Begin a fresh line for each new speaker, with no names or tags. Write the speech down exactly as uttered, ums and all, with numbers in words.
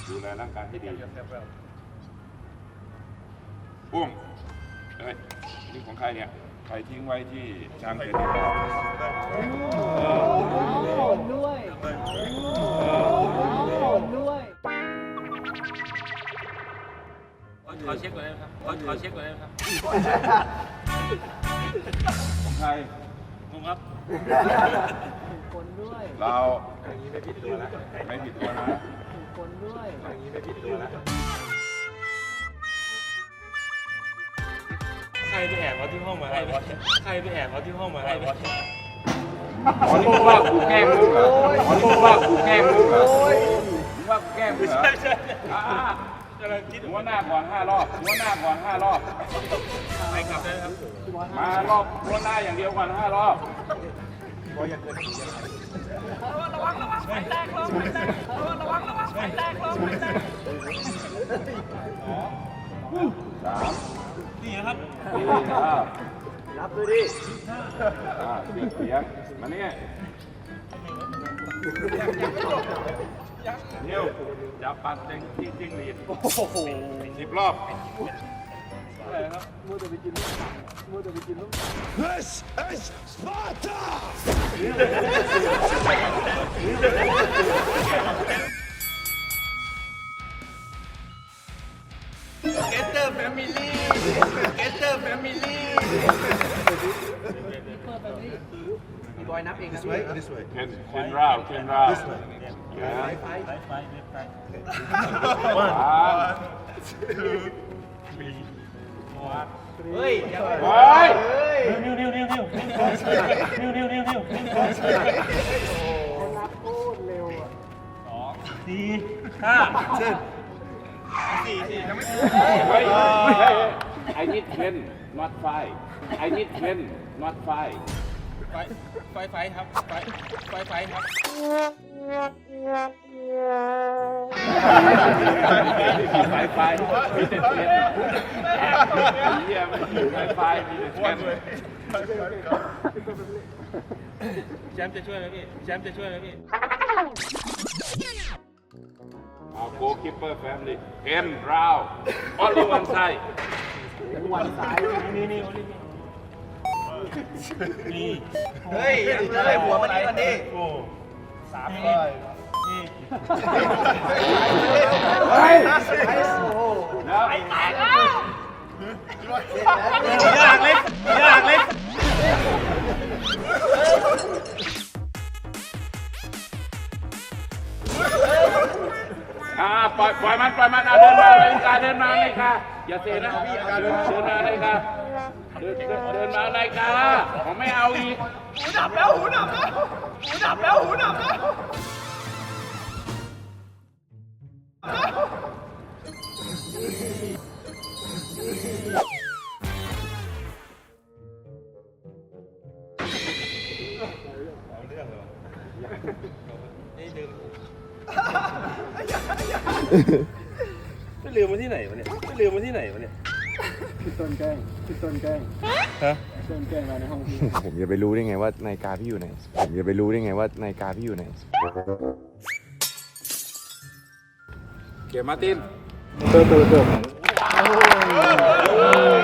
ดูแลร่างกายให้ดีปุ้มเฮ้ยนี่ของใครเนี่ยใครทิ้งไว้ที่ช้างเกิด
ด้วยด้วยขอเช็คก่อนนะครับขอขอเช็คก่อนนะครับ
ของใคร
งงครับคนด้วย
เราอย่างนี้ไม่ผิดตัวนะไม่ผิดตัวนะ
คนด้วย
อย่างนี้ไม่ผิดตัวนะ
ใครไปแอบเอาที่ห้องมาให้ใครไปแอบเอาที่ห้องมาให้
อ๋อนี่มึงว่ากูแกล้งมึงเหรออ๋อนี่มึงว่ากูแกล้งมึงเหรอมึงว่ากูแกล้งมึงเหรอหัวหน้าก่อนห้ารอบหัวหน้าก่อนห้ารอบ
ไปกลับได้ครับ
มารอบหัวหน้าอย่างเดียวก่อนห้ารอบ
ระวังระวังไฟแตกระวังระวังระวังไฟแตกระวังไฟแตก
สาม
นี่ครับ
สี่ห้า
รับดูดิ
อ่าเสียงเสียงมาเนี่ยเดี๋ยวจับปัดเต็งที่จิ้งหรีดโอ้โหสิบรอบอะไรครับมือจะไปกินมือจะไปกินลูก This is Sparta
Get the family Get the family
พี่บอยนับเองนะ
This way or this way?
เคนเคนราวเคนราว
This way.
ไปไปไปไป
One,
two, three, four เฮ้ย
เฮ้ย
นิ้วนิ้วนิ้วนิ้วนิ้วนิ้วนิ้วนิ้ว
นับโคตรเร็วอ่ะ
สองสี่ห้าเจ็ดสี่สี่ยังไม่ถึง
เฮ้ย I need ten not five I need ten not five
ไฟไฟไฟครับไฟไฟไฟครับ
ไฟไฟมีแต่เทียนเฮียไม่อยู่ไฟไฟมีแต่เทียน
แชมป์จะช่วยไหมพี่แชมป์จะช่วยไหมพี่
เอาโกคิปเปอร์แฟมิลี่เคนราวออลิวันไซ
วันสาย
นี่นี่นี่นี่
เฮ้ยเลยหัวมันนี่มันนี่
สามเลยนี่
เฮ้ยโอ้โห
แล้วไอ้ตายแล้ว
ยากเล็กยากเล็ก
อ่าปล่อยปล่อยมันปล่อยมันอ่ะเดินมาเลยค่ะเดินมาเลยค่ะอย่าเสียนะเดินเดินมาเลยค่ะเดินเดินเดินมาเลยค่ะผมไม่เอาอีก
หูดับแล้วหูดับแล้วหูดับแล้วหูดับแล้วไปลืมมาที่ไหนวะเนี่ยไปลืมมาที่ไหนวะเนี่ย
พี่ต้นแกล้งพี่ต้นแกล้ง
ฮะ
ต้นแกล้งมาในห้องพี่
ผมจะไปรู้ได้ไงว่านาฬิกาพี่อยู่ไหนผมจะไปรู้ได้ไงว่านาฬิกาพี่อยู่ไหน
เกียร์มาร์ติน
เติมเติมเติม